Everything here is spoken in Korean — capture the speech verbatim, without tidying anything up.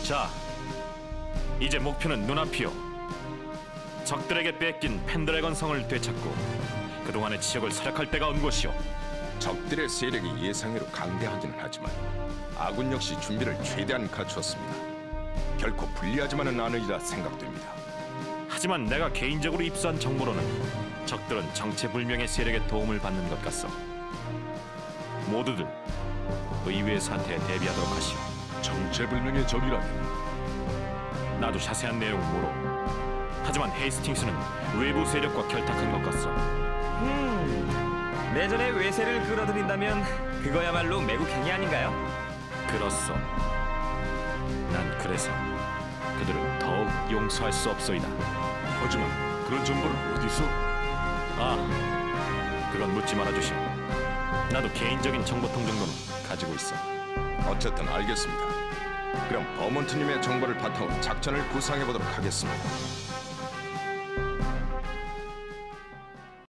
자, 이제 목표는 눈앞이오. 적들에게 뺏긴 펜드래건 성을 되찾고 그동안의 지역을 사력할 때가 온 곳이오. 적들의 세력이 예상외로 강대하기는 하지만 아군 역시 준비를 최대한 갖추었습니다. 결코 불리하지만은 않으리라 생각됩니다. 하지만 내가 개인적으로 입수한 정보로는 적들은 정체불명의 세력의 도움을 받는 것 같소. 모두들 의외의 사태에 대비하도록 하시오. 정체불명의 적이라면 나도 자세한 내용은 모르. 하지만 헤이스팅스는 외부 세력과 결탁한 것 같소. 음, 내전의 외세를 끌어들인다면 그거야말로 매국행위 아닌가요? 그렇소. 난 그래서 그들을 더욱 용서할 수 없소이다. 하지만 그런 정보를 어디서? 아, 그건 묻지 말아주시오. 나도 개인적인 정보통 정도는 가지고 있어. 어쨌든 알겠습니다. 그럼 버몬트님의 정보를 바탕으로 작전을 구상해보도록 하겠습니다.